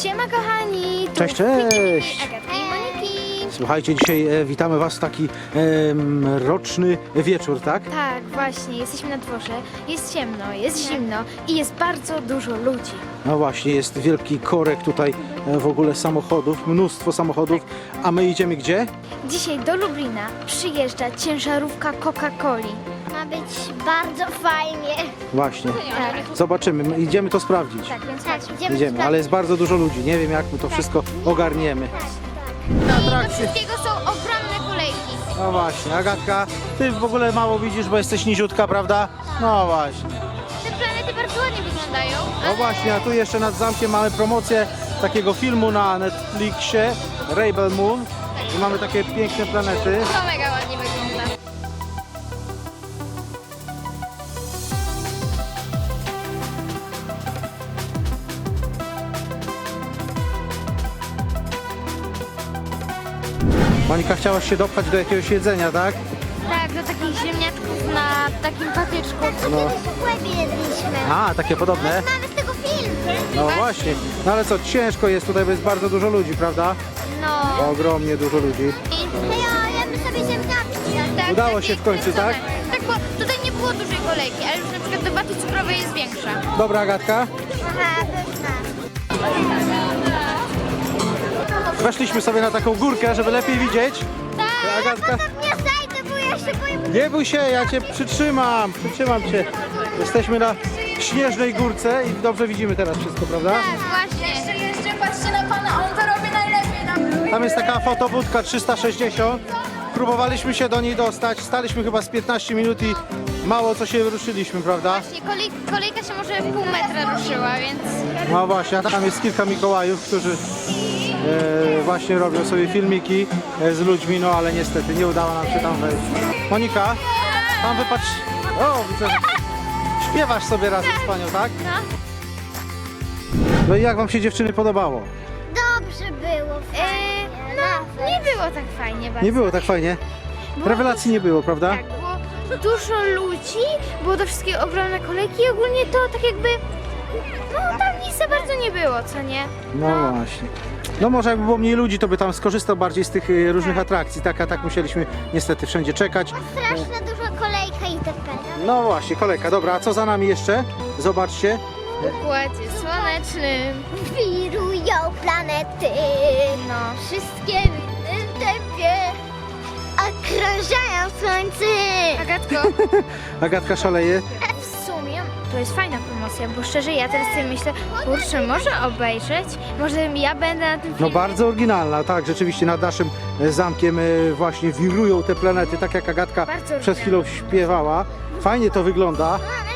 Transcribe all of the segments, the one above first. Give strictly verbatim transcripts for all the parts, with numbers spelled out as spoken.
Siema kochani! Tu Cześć, cześć! Agatki i Moniki! Słuchajcie, dzisiaj e, witamy Was w taki e, mroczny wieczór, tak? Tak, właśnie, jesteśmy na dworze, jest ciemno, jest zimno i jest bardzo dużo ludzi. No właśnie, jest wielki korek tutaj e, w ogóle samochodów, mnóstwo samochodów, a my idziemy gdzie? Dzisiaj do Lublina przyjeżdża ciężarówka Coca-Coli. Ma być bardzo fajnie. Właśnie, Tak, zobaczymy, my idziemy to sprawdzić. tak, więc Tak, chodźmy. idziemy Idziemy, ale jest bardzo dużo ludzi, nie wiem jak my to wszystko ogarniemy. Na I do atrakcje. wszystkiego są ogromne kolejki. No właśnie, Agatka, Ty w ogóle mało widzisz, bo jesteś niziutka, prawda? No właśnie. Te planety bardzo ładnie wyglądają. No właśnie, a tu jeszcze nad zamkiem mamy promocję takiego filmu na Netflixie, Rebel Moon. I mamy takie piękne planety. To mega ładnie wygląda. Monika, chciałaś się dopchać do jakiegoś jedzenia, tak? Tak, do takich ziemniaczków na takim patyczku. No. W łebie jedliśmy. A, takie podobne? Mamy z tego film. No właśnie. No ale co, ciężko jest tutaj, bo jest bardzo dużo ludzi, prawda? No. Ogromnie dużo ludzi. Ja jemy sobie ziemniaczki. Tak, Udało takie się w końcu, kręcone. tak? Tak, bo tutaj nie było dużej kolejki, ale już na przykład do baty cukrowej jest większa. Dobra, Agatka. Aha, pyszna. Weszliśmy sobie na taką górkę, żeby lepiej widzieć. Tak. Agatka, Nie zajdę, bo ja się boję. nie bój się, ja cię przytrzymam, przytrzymam cię. Jesteśmy na śnieżnej górce i dobrze widzimy teraz wszystko, prawda? Tak, właśnie. Jeszcze, jeszcze patrzcie na pana, on to robi najlepiej. Tam. Tam jest taka fotobudka trzysta sześćdziesiąt. Próbowaliśmy się do niej dostać, staliśmy chyba z piętnaście minut i mało co się ruszyliśmy, prawda? Właśnie, kolej, kolejka się może pół metra ruszyła, więc... No właśnie, a tam jest kilka Mikołajów, którzy e, właśnie robią sobie filmiki e, z ludźmi, no ale niestety nie udało nam się tam wejść. Monika, tam wypatrz... O, widzę, że śpiewasz sobie razem z panią, tak? No. No i jak wam się dziewczyny podobało? Dobrze było. Eee, no, nie było tak fajnie bardzo. Nie było tak fajnie? Było Rewelacji nie było, prawda? Tak, było dużo ludzi, było do wszystkiego ogromne kolejki i ogólnie to tak jakby... No tam nic za bardzo nie było, co nie? No właśnie. No może jakby było mniej ludzi, to by tam skorzystał bardziej z tych e, różnych atrakcji, tak, a tak musieliśmy niestety wszędzie czekać. Straszna duża kolejka itp. No właśnie, kolejka, dobra, a co za nami jeszcze? Zobaczcie. W układzie słonecznym. Wirują planety. No. Wszystkie w innym tempie. Okrążają słońce. Agatko, Agatka szaleje. w sumie to jest fajna promocja, bo szczerze ja teraz sobie myślę, kurczę, może obejrzeć? Może ja będę na tym No filmie? bardzo oryginalna, tak, rzeczywiście nad naszym e, zamkiem e, właśnie wirują te planety, tak jak Agatka Bardzo przed chwilą śpiewała. Fajnie to wygląda.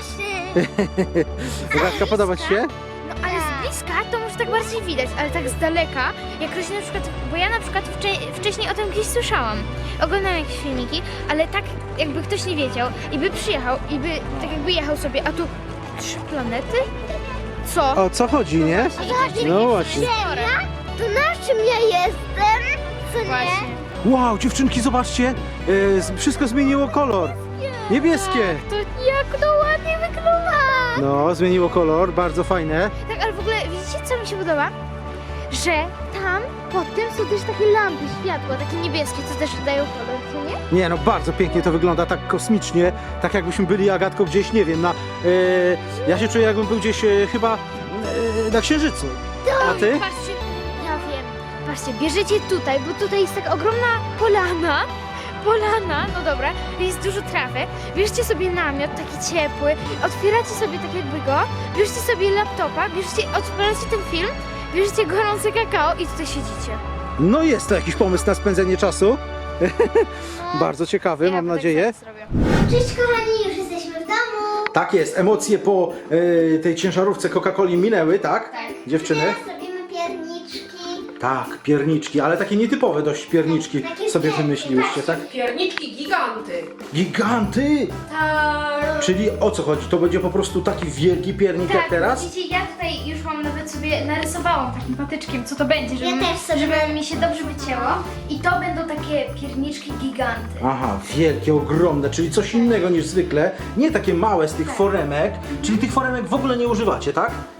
Agatka, podoba ci się? No ale z bliska to może tak bardziej widać, ale tak z daleka, jak ktoś na przykład, bo ja na przykład wcze- wcześniej o tym gdzieś słyszałam, oglądałam jakieś filmiki, ale tak jakby ktoś nie wiedział i by przyjechał i by tak jakby jechał sobie, a tu trzy planety? Co? O co chodzi, nie? No właśnie. To na czym ja jestem? Co nie? Właśnie. Wow, dziewczynki, zobaczcie, e, z- wszystko zmieniło kolor. Niebieskie. To jak to ładnie wygląda! No, zmieniło kolor, bardzo fajne. Tak, ale w ogóle widzicie co mi się podoba? Że tam pod tym są też takie lampy, światła, takie niebieskie, co też dają kolor, co nie? Nie no, bardzo pięknie to wygląda, tak kosmicznie, tak jakbyśmy byli, Agatko, gdzieś, nie wiem, na... E, ja się czuję, jakbym był gdzieś e, chyba e, na Księżycu. A ty? Patrzcie, ja wiem. Patrzcie, bierzecie tutaj, bo tutaj jest taka ogromna polana. Polana, no dobra, jest dużo trawy. Bierzcie sobie namiot taki ciepły, otwieracie sobie tak jakby go, bierzcie sobie laptopa, bierzcie, odpalacie ten film, bierzcie gorące kakao i tutaj siedzicie. No jest to jakiś pomysł na spędzenie czasu. Bardzo ciekawy, Ja mam potem nadzieję. sobie zrobię. Cześć kochani, już jesteśmy w domu. Tak jest, emocje po e, tej ciężarówce Coca-Coli minęły, tak? Dziewczyny? Teraz robimy pierniczki. Tak, pierniczki, ale takie nietypowe dość pierniczki Takie sobie wielkie, wymyśliłyście, tak? Pierniczki giganty. Giganty! Tak. Czyli o co chodzi? To będzie po prostu taki wielki piernik jak teraz? widzicie, ja tutaj już mam nawet sobie narysowałam takim patyczkiem, co to będzie, żeby, też sobie. żeby mi się dobrze wycięło. I to będą takie pierniczki giganty. Aha, wielkie, ogromne, czyli coś innego niż zwykle. Nie takie małe z tych foremek, czyli tych foremek w ogóle nie używacie, tak? Tak, na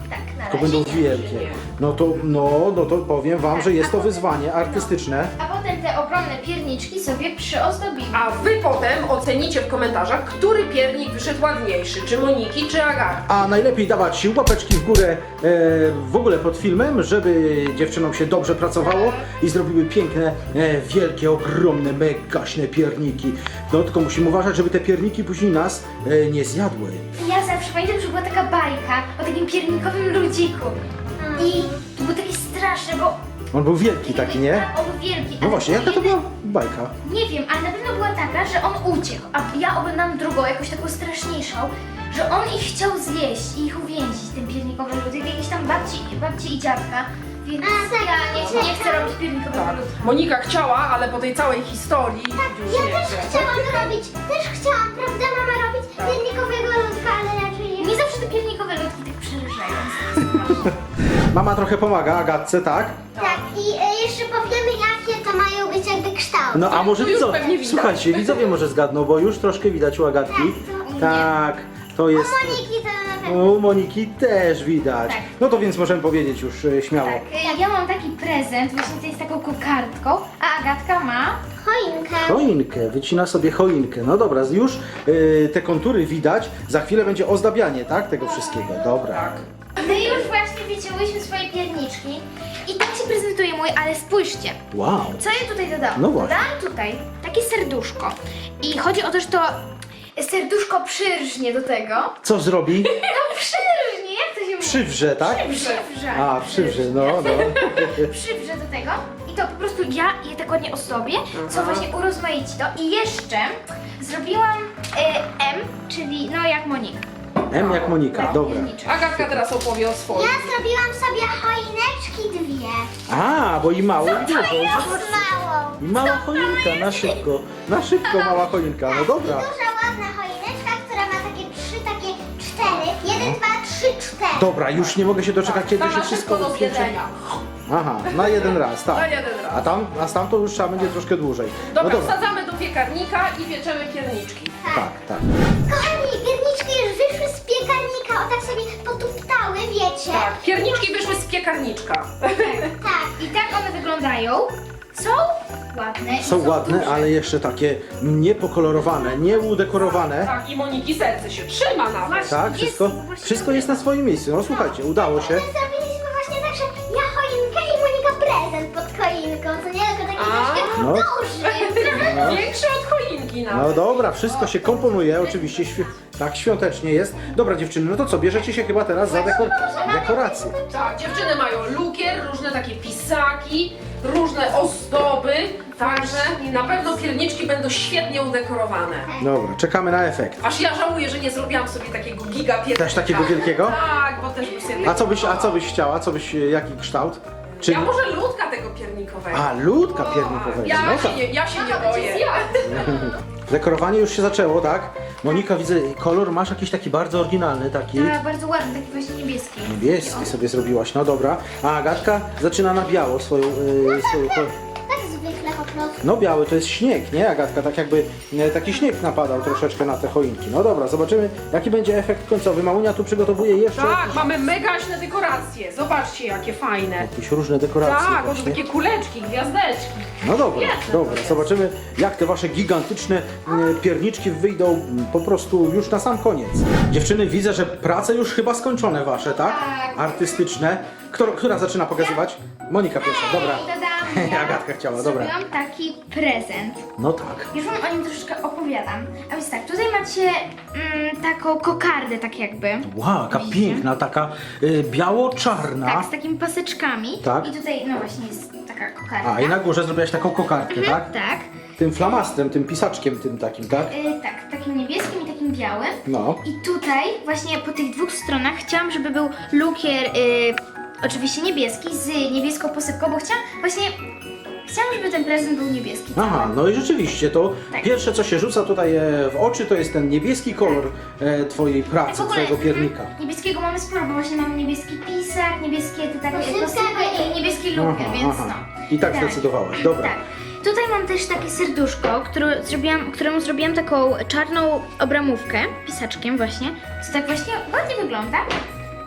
To będą wielkie. No to, no, no to powiem wam, że jest to wyzwanie artystyczne. A potem te ogromne pierniczki sobie przyozdobimy. A wy potem ocenicie w komentarzach, który piernik wyszedł ładniejszy, czy Moniki, czy Agaty. A najlepiej dawać łapeczki w górę e, w ogóle pod filmem, żeby dziewczynom się dobrze pracowało i zrobiły piękne, e, wielkie, ogromne, megaśne pierniki. No tylko musimy uważać, żeby te pierniki później nas e, nie zjadły. Ja zawsze pamiętam, że była taka bajka o takim piernikowym ludziku. I to było takie straszne, bo... On był wielki taki, nie? Tak, on był wielki. No ale właśnie, jaka to jeden- była bajka? Nie wiem, ale na pewno była taka, że on uciekł, a ja oglądam drugą, jakąś taką straszniejszą, że on ich chciał zjeść i ich uwięzić, ten piernikowy ludzik, jakieś tam babci, babci i dziadka. Więc A, tak, ja nie, nie chcę robić piernikowego Tak. ludka. Monika chciała, ale po tej całej historii już Ja nie też chce. chciałam robić, też chciałam, prawda mama, robić piernikowego ludka, ale raczej nie. Nie zawsze te piernikowe ludki tak przerażają. Mama trochę pomaga Agatce, tak? Tak, i e, jeszcze powiemy, jakie to mają być jakby kształty. No a może To już widzowie, pewnie widać. słuchajcie, widzowie może zgadną, bo już troszkę widać u Agatki. Tak, to jest... Moniki to na pewno. U Moniki też widać. Tak. No to więc możemy powiedzieć już e, śmiało. Tak, y, ja mam taki prezent, właśnie tutaj z taką kokardką, a Agatka ma... Choinkę. Choinkę, wycina sobie choinkę. No dobra, już e, te kontury widać, za chwilę będzie ozdabianie, tak? Tego wszystkiego, dobra. Tak. My już właśnie wycięłyśmy swoje pierniczki i tak się prezentuje mój, ale spójrzcie. Wow. Co ja tutaj dodałam? No właśnie. Dodałam tutaj takie serduszko. I chodzi o to, że to serduszko przyrżnie do tego. Co zrobi? No przyrżnie, jak to się mówi? Przywrze, tak? Przywrze. A, przywrze, no, no. Przywrze do tego. I to po prostu ja je tak ładnie ozdobię, co właśnie urozmaici to. I jeszcze zrobiłam e, M, czyli no jak Monika. M jak Monika, dobra. Pierniczek. Agatka teraz opowie o swoim. Ja zrobiłam sobie choineczki dwie. A, bo i mało, i dużo. Małą. I mała choinka, na szybko. Na szybko mała choinka, no dobra. Duża, ładna choineczka, która ma takie trzy, takie cztery. Jeden, dwa, trzy, cztery. Dobra, już nie mogę się doczekać, kiedy To się na wszystko szybko do rozpiecze. zjedzenia. Aha, na jeden raz, tak. Na jeden raz. A tam, a tam to już trzeba będzie troszkę dłużej. Dobra, No dobra. wsadzamy do piekarnika i pieczemy pierniczki. Tak, tak. Kochani, pierniczki już wyszły z piekarnika, o tak sobie potuptały, wiecie? Tak, pierniczki wyszły z piekarniczka. Tak. I tak one wyglądają. Są ładne. i Są ładne, duże. ale jeszcze takie niepokolorowane, nieudekorowane. Tak, i Moniki serce się trzyma nawet. Tak, Jest wszystko, właśnie- wszystko jest na swoim miejscu. No słuchajcie, udało się. My zrobiliśmy właśnie tak, że ja choinkę i Monika prezent pod choinką, co nie? Tylko taki A. troszkę No. duży. No. Większy od choinki No nawet. dobra, wszystko się komponuje, oczywiście świ tak świątecznie jest. Dobra dziewczyny, no to co, bierzecie się chyba teraz za dekor dekorację. Tak, dziewczyny mają lukier, różne takie pisaki, różne ozdoby, także na pewno pierniczki będą świetnie udekorowane. Dobra, czekamy na efekt. Aż ja żałuję, że nie zrobiłam sobie takiego giga piernika. Też takiego wielkiego? Tak, bo też by sobie... A co byś, a co byś chciała? Co byś, jaki kształt? Czy... Ja może ludka tego piernikowego. A, ludka piernikowego. Ja No się tak. nie, ja się nie boję. Dekorowanie już się zaczęło, tak? Monika, widzę, kolor masz jakiś taki bardzo oryginalny, taki Tak, bardzo ładny, taki właśnie niebieski. niebieski sobie zrobiłaś, no dobra. A Agatka zaczyna na biało swoją... Yy, swoją ko- Tak zwykle po prostu. no biały to jest śnieg, nie Agatka? Tak jakby e, taki śnieg napadał troszeczkę na te choinki. No dobra, zobaczymy jaki będzie efekt końcowy. Mamunia tu przygotowuje jeszcze Tak, jakieś, mamy megaśne dekoracje. Zobaczcie, jakie fajne. jakieś różne dekoracje. Tak, oto właśnie. takie kuleczki, gwiazdeczki. No dobra, Jasne, dobra, to jest. zobaczymy jak te wasze gigantyczne e, pierniczki wyjdą m, po prostu już na sam koniec. Dziewczyny, widzę, że prace już chyba skończone wasze, tak? Tak. Artystyczne. Kto, która zaczyna pokazywać? Monika pierwsza, dobra. I dodałam ja. Agatka chciała, dobra. Zrobiłam taki prezent. No tak. Już wam o nim troszeczkę opowiadam. A więc tak, tutaj macie mm, taką kokardę tak jakby. Wow, jaka Widzicie? piękna, taka y, biało-czarna. Tak, z takimi paseczkami. Tak. I tutaj, no właśnie, jest taka kokarda. A, i na górze zrobiłaś taką kokardkę, Mhm, tak? tak. Tym flamastrem, tym pisaczkiem tym takim, tak? Y, tak, takim niebieskim i takim białym. No. I tutaj właśnie po tych dwóch stronach chciałam, żeby był lukier y, oczywiście niebieski z niebieską posypką, bo chciałam właśnie, chciałam, żeby ten prezent był niebieski. Aha, cały. no i rzeczywiście to Tak. pierwsze co się rzuca tutaj e, w oczy to jest ten niebieski kolor e, twojej pracy, W ogóle, twojego piernika. mhm, niebieskiego mamy sporo, bo właśnie mamy niebieski pisak, niebieskie te takie Posypka posypy i niebieski lukier, Aha, więc aha. no. I tak zdecydowałaś, dobra. Tak. Tutaj mam też takie serduszko, które zrobiłam, któremu zrobiłam taką czarną obramówkę, pisaczkiem właśnie, co tak właśnie ładnie wygląda.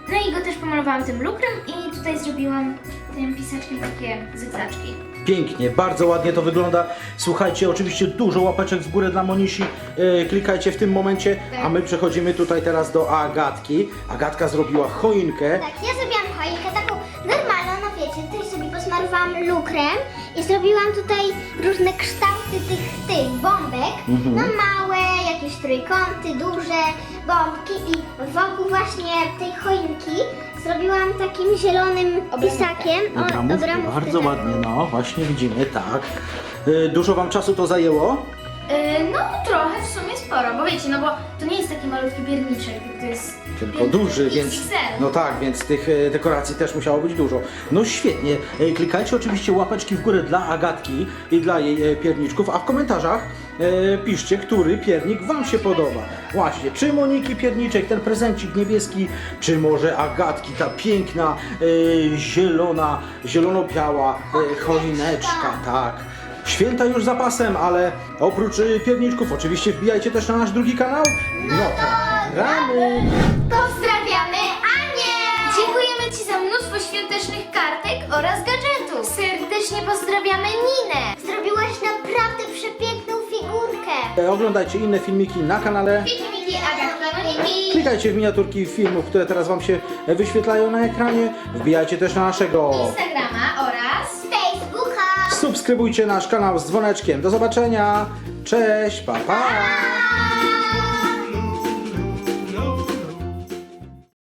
No i go też pomalowałam tym lukrem i tutaj zrobiłam tym pisaczkiem takie zygzaczki. Pięknie, bardzo ładnie to wygląda. Słuchajcie, oczywiście dużo łapeczek w górę dla Monisi. E, klikajcie w tym momencie, a my przechodzimy tutaj teraz do Agatki. Agatka zrobiła choinkę. Tak, ja zrobiłam choinkę taką normalną, no wiecie, tutaj sobie posmarowałam lukrem i zrobiłam tutaj różne kształty tych, tych bombek. Mhm. No małe, jakieś trójkąty, duże bombki i wokół właśnie tej choinki zrobiłam takim zielonym pisakiem. O, Obramówki, obramówkę bardzo taką. ładnie, no właśnie widzimy, tak. E, dużo wam czasu to zajęło? Yy, no trochę w sumie sporo, bo wiecie, no bo to nie jest taki malutki pierniczek, tylko to jest Tylko pierniczek duży, więc. X X L. No tak, więc tych e, dekoracji też musiało być dużo. No świetnie. E, klikajcie oczywiście łapeczki w górę dla Agatki i dla jej e, pierniczków, a w komentarzach e, piszcie, który piernik wam się podoba. Właśnie, czy Moniki pierniczek, ten prezencik niebieski, czy może Agatki, ta piękna, e, zielona, zielono-biała e, choineczka, tak. Święta już za pasem, ale oprócz e, pierniczków oczywiście wbijajcie też na nasz drugi kanał. No to gramy! Pozdrawiamy Anię! Dziękujemy Ci za mnóstwo świątecznych kartek oraz gadżetów. Serdecznie pozdrawiamy Ninę. Zrobiłaś naprawdę przepiękną figurkę. E, Oglądajcie inne filmiki na kanale. Miki, Agatki, Moniki. Klikajcie w miniaturki filmów, które teraz wam się wyświetlają na ekranie. Wbijajcie też na naszego. Instagrama oraz Facebooka. Subskrybujcie nasz kanał z dzwoneczkiem. Do zobaczenia. Cześć, pa pa.